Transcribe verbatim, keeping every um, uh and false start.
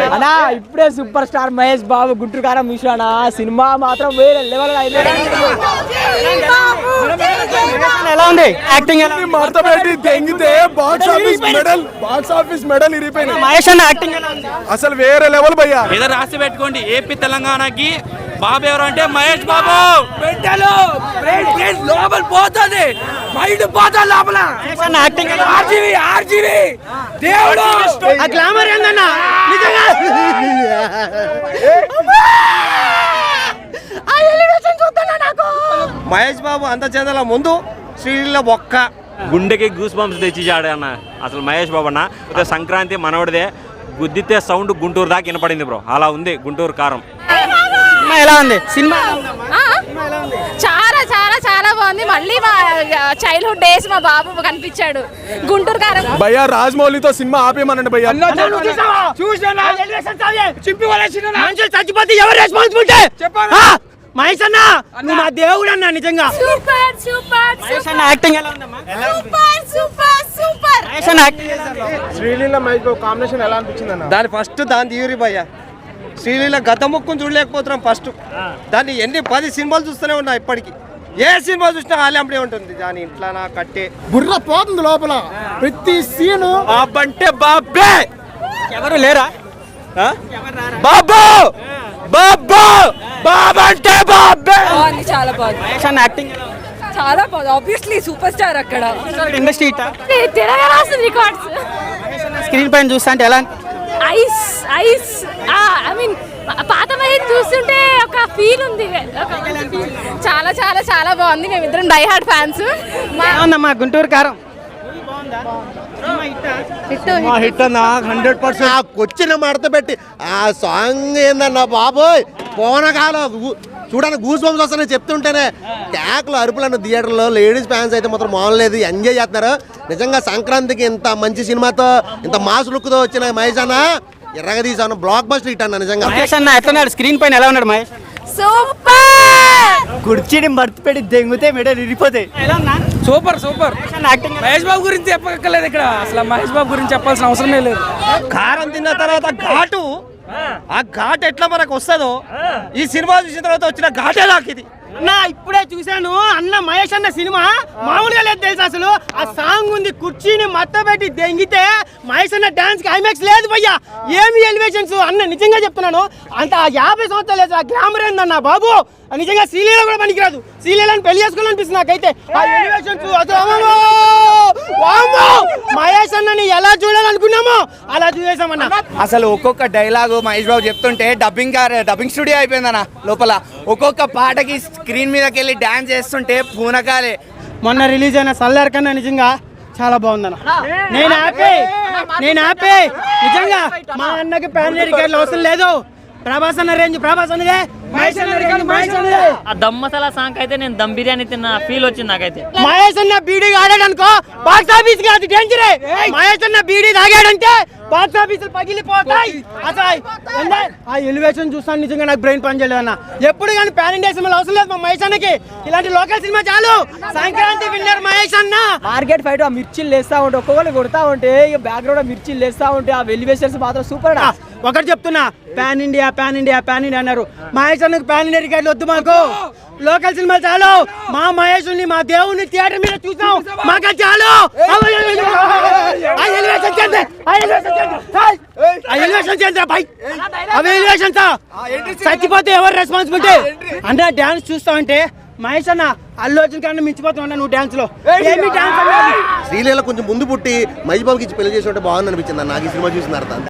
అన్నా ఇప్పుడే super star Mahesh Babu Guntur Kaaram చూసానా సినిమా మాత్రం వేరే లెవెల్ ఎలా ఉంది యాక్టింగ్ మార్తబెట్టి తెంగితే బాక్స్ ఆఫీస్ మెడల్ బాక్స్ ఆఫీస్ మెడల్ ఇరిపోయింది. మహేష్ అన్న యాక్టింగ్ అసలు వేరే లెవెల్ భయ్యా. ఏదో రాసి పెట్టుకోండి, ఏపీ తెలంగాణకి బాబు ఎవరు అంటే మహేష్ బాబు. బిడ్డలు లోపల పోతుంది మైండ్ పోతా లోపల యాక్టింగ్ ఆర్జీవి ఆర్జీవి దేవుడు ఆ గ్లామర్ ఏందన్నా నిజంగా ఆ ఎలివేషన్ చూస్తున్నా నాకు. మహేష్ బాబు అంత చెందల ముందు శ్రీలీల ఒక్క గుండెకి గూస్ బంప్స్ తెచ్చి అన్న అసలు మహేష్ బాబు అన్న. సంక్రాంతి మనవడిదే, గుద్దితే సౌండ్ గుంటూరు దాకా వినపడింది బ్రో. అలా ఉంది గుంటూరు కారం. ఎలా ఉంది సినిమా? చాలా చాలా చాలా బాగుంది. మళ్ళీ మా చైల్డ్హుడ్ డేస్ మా బాబు కనిపించాడు గుంటూరు కారం. భయ్యా రాజమౌళితో సినిమా ఆపేయమనండి భయ్యా. చచ్చిపోతే ఎవరు రెస్పాన్సిబిలిటీ మహేష్ అన్న? నువ్వు మా దేవుడు అన్న నిజంగా. సూపర్ సూపర్ మహేష్ అన్న యాక్టింగ్ ఎలా ఉందమ్మా? Super super super. మహేష్ అన్న యాక్టింగ్ శ్రీలీల మహేష్ బాబు కాంబినేషన్ ఎలా అనిపించింది అన్న? దాని ఫస్ట్ దాని తీయురి భయ్య. శ్రీలీల గత ముక్కును చూడలేకపోతున్నాం ఫస్ట్. దాన్ని ఎన్ని పది సినిమాలు చూస్తూనే ఉన్నా ఇప్పటికి. ఏ సినిమా చూసినా ఆలెంపడే ఉంటుంది. దాని ఇంట్లో నా కట్టే బుర్ర పోతుంది లోపల ప్రతి సీను. బాబంటే బాబే ఎవరు లేరా? బాబు బాబు బాబంటే బాబే. బాగుంది, చాలా బాగుంది. మహేష్ అన్న యాక్టింగ్ చాలా బాగుంది. ఆబ్వియస్లీ సూపర్ స్టార్ అక్కడ. ఇండస్ట్రీ రికార్డ్స్ స్క్రీన్ పైన చూస్తా అంటే ఎలా? ఐస్ ఐస్ ఐ మీన్ పాత మహేష్ చూస్తుంటే ఒక ఫీల్ ఉంది. చాలా చాలా చాలా బాగుంది. మేమిద్దరం డై హార్డ్ ఫ్యాన్స్. మా గుంటూరు కారం హిట్ అన్న హండ్రెడ్ పర్సెంట్. వచ్చిన మడత పెట్టి ఆ సాంగ్ ఏందన్నా బాబోయ్ పోనకాల చూడని గూస్ బంప్స్ వస్తాయని చెప్తుంటేనే ట్యాక్లు అరుపులను థియేటర్లో లేడీస్ ఫ్యాన్స్ అయితే మాత్రం మామూలు ఎంజాయ్ చేస్తున్నారు. నిజంగా సంక్రాంతికి ఇంత మంచి సినిమాతో ఇంత మాస్ లుక్ తో వచ్చిన మహేష్ అన్న ఎర్రగా తీసాను బ్లాక్ బస్టర్ హిట్ అన్న నిజంగా. మహేష్ అన్న ఎట్లున్నాడు స్క్రీన్ పైన? ఎలా ఉన్నాడు మహేష్? సూపర్. కుర్చీని మర్తి పెట్టి దెంగితే మెడలు ఇరిపోతాయి. Super super. మహేష్ బాబు గురించి చెప్పక్కర్లేదు ఇక్కడ. అసలు మహేష్ బాబు గురించి చెప్పాల్సిన అవసరమే లేదు. కారం తిన్న తర్వాత ఘాటు, ఆ ఘాట్ ఎట్లా మనకు వస్తుందో ఈ సినిమా చూసిన తర్వాత వచ్చిన ఘాటే నాకు ఇది. అన్న ఇప్పుడే చూశాను అన్న మహేష్ అన్న సినిమా మామూలుగా లేదు తెలుసు. అసలు ఆ సాంగ్ ఉంది, కుర్చీని మత్త పెట్టి దెంగితే మహేష్ అన్న డాన్స్ కి ఐమాక్స్ లేదు భయ్యా. ఏమి ఎలివేషన్స్ అన్న నిజంగా చెప్తున్నాను. అంత యాభై సంవత్సరాలు లేదు ఆ గ్లామర్ ఏందన్న బాబు. నిజంగా శ్రీలీల కూడా పనికిరాదు. శ్రీలీలను పెళ్లి చేసుకోవాలనిపిస్తుంది నాకైతే. ఆ ఎలివేషన్స్ మహేష్ అన్నని ఎలా చూడాలనుకున్నామో అలా చూసేసామన్న. అసలు ఒక్కొక్క డైలాగు మహేష్ బాబు చెప్తుంటే డబ్బింగ్ డబ్బింగ్ స్టూడియో అయిపోయిందన్న లోపల. ఒక్కొక్క పాటకి స్క్రీన్ మీదకి వెళ్ళి డాన్స్ చేస్తుంటే పూనకాలే. మొన్న రిలీజ్ అయిన సల్లార్ కన్నా నిజంగా చాలా బాగుందన్న. నేను హ్యాపీ నేను హ్యాపీ నిజంగా. మా అన్నకి ప్యాన్ రికార్డులు అవసరం లేదు. ప్రభాస్ అన్న రేంజ్ ప్రభాస్ అన్నదే. మహేష్ అన్న రికార్డు మహేష్ అన్నదే. ఆ దమ్ మసాలా సాంగ్ అయితే నేను దమ్ బిర్యానీ తిన్న ఫీల్ వచ్చింది నాకైతే. మహేష్ అన్న బీడీ ఆడాడనుకో బాక్స్ ఆఫీస్ కాదు డేంజరే. మహేష్ అన్న బీడీ తాగాడంటే బాక్స్ ఆఫీసులు పగిలిపోతాయి. అసలు ఆ ఎలివేషన్ చూస్తాను నిజంగా నాకు బ్రెయిన్ పని చేయలేదు అన్న. ఎప్పుడు కానీ ప్యాన్ ఇండియా సినిమాలు అవసరం లేదు మా మహేష్ అన్నకి. ఇలాంటి లోకల్ సినిమా చాలు. సంక్రాంతి విన్నర్ మహేష్ అన్న. మార్కెట్ ఫైట్ ఆ మిర్చిలు లేస్తా ఉంటే ఒక్కొక్కరు కొడతా ఉంటే బ్యాక్గ్రౌండ్ మిర్చిలు లేస్తా ఉంటే ఆ ఎలివేషన్స్ మాత్రం సూపర్. ఒకటి చెప్తున్నా, pan India pan India pan India అన్నారు. మహేష్ అన్నకు పాన్ ఇండియా రికార్డులు వద్దు మాకు. లోకల్ సినిమాలు చాలు. మా మహేష్ని మా దేవుని థియేటర్ మీద చూసాం మాకు చాలు. చచ్చిపోతే ఎవరు రెస్పాన్సిబిలిటీ? అంటే డాన్స్ చూస్తా అంటే మహేష్ అన్న అల్లు అర్జున్ కన్నా మించిపోతా ఉన్నా నువ్వు డాన్స్ లో. శ్రీలీల కొంచెం ముందు పుట్టి మహేష్ బాబుకి ఇచ్చి పెళ్లి చేసి ఉంటే బాగుంది అనిపించింది నాకు ఈ సినిమా చూసిన తర్వాత.